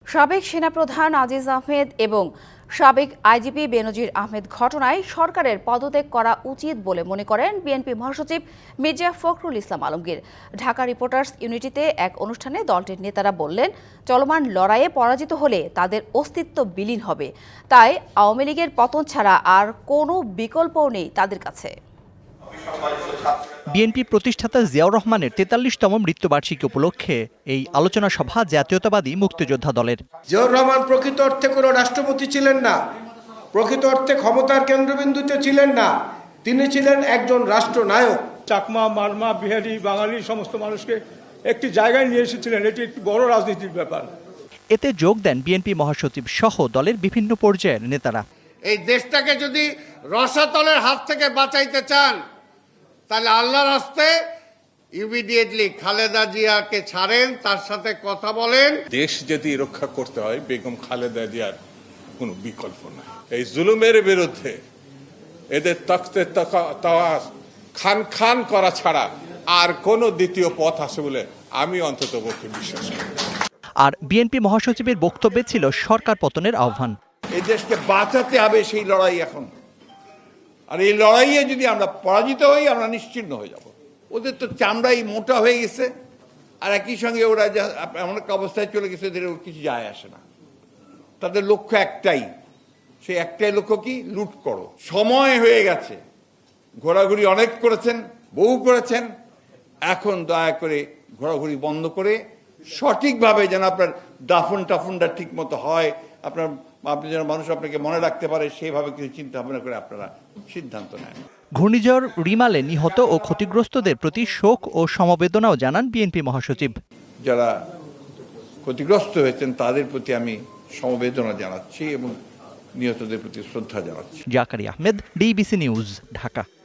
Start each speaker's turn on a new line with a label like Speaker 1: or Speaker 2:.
Speaker 1: সাবেক সেনাপ্রধান আজিজ আহমেদ এবং সাবেক আইজিপি বেনজির আহমেদ ঘটনায় সরকারের পদত্যাগ করা উচিত বলে মনে করেন বিএনপি মহাসচিব মির্জা ফখরুল ইসলাম আলমগীর। ঢাকা রিপোর্টার্স ইউনিটিতে এক অনুষ্ঠানে দলটির নেতারা বললেন, চলমান লড়াইয়ে পরাজিত হলে তাদের অস্তিত্ব বিলীন হবে, তাই আওয়ামী লীগের পতন ছাড়া আর কোনো বিকল্পও নেই তাদের কাছে।
Speaker 2: বিএনপি প্রতিষ্ঠাতা জিয়াউর রহমানের ৪৩তম মৃত্যুবার্ষিকী উপলক্ষে এই আলোচনা সভা জাতীয়তাবাদী মুক্তিযোদ্ধা দলের।
Speaker 3: জিয়াউর রহমান প্রকৃত অর্থে কোনো রাষ্ট্রপতি ছিলেন না, প্রকৃত অর্থে ক্ষমতার কেন্দ্রবিন্দুতে ছিলেন না, তিনি ছিলেন একজন রাষ্ট্রনায়ক।
Speaker 4: চাকমা, মারমা, বিহারি, বাঙালি সমস্ত মানুষকে একটি জায়গায় নিয়ে এসেছিলেন। এটি একটি বড় রাজনীতির ব্যাপার।
Speaker 2: এতে যোগ দেন বিএনপি মহাসচিব সহ দলের বিভিন্ন পর্যায়ের নেতারা।
Speaker 5: এই দেশটাকে যদি রসাতলের হাত থেকে বাঁচাইতে চান, তাহলে আল্লাহর রাস্তায় ইমিডিয়েটলি খালেদা জিয়াকে ছাড়েন, তার সাথে কথা বলেন।
Speaker 6: দেশ যদি রক্ষা করতে হয়, বেগম খালেদা জিয়ার কোনো বিকল্প নাই। এই জুলুমের বিরুদ্ধে এদের তখতে তাওয়াজ খান খান করা ছাড়া আর কোনো দ্বিতীয় পথ আছে বলে আমি অন্তত পক্ষে বিশ্বাস করি।
Speaker 2: আর বিএনপি মহাসচিবের বক্তব্যে ছিল সরকার পতনের আহ্বান।
Speaker 5: এই দেশকে বাঁচাতে হবে, সেই লড়াই এখন। আর এই লড়াইয়ে যদি আমরা পরাজিত হই, আমরা নিশ্চিহ্ন হয়ে যাব। ওদের তো চামড়াই মোটা হয়ে গেছে, আর একই সঙ্গে ওরা এমন একটা অবস্থায় চলে গেছে যে কিছু যায় আসে না। তাদের লক্ষ্য একটাই, সেই একটাই লক্ষ্য কি? লুট করো। সময় হয়ে গেছে, ঘোরাঘুরি অনেক করেছেন, বহু করেছেন। এখন দয়া করে ঘোরাঘুরি বন্ধ করে সঠিকভাবে যেন আপনার দাফন টাফনটা ঠিক মতো হয়, আপনি যেন মানুষ আপনাকে মনে রাখতে পারে, সেইভাবে কিছু চিন্তা ভাবনা করে আপনারা সিদ্ধান্ত নেন।
Speaker 2: ঘূর্ণিঝড় রিমালে নিহত ও ক্ষতিগ্রস্তদের প্রতি শোক ও সমবেদনাও জানান বিএনপি মহাসচিব।
Speaker 5: যারা ক্ষতিগ্রস্ত হয়েছেন তাদের প্রতি আমি সমবেদনা জানাচ্ছি এবং নিহতদের প্রতি শ্রদ্ধা জানাচ্ছি।
Speaker 2: Zakaria Ahmed, DBC News, Dhaka.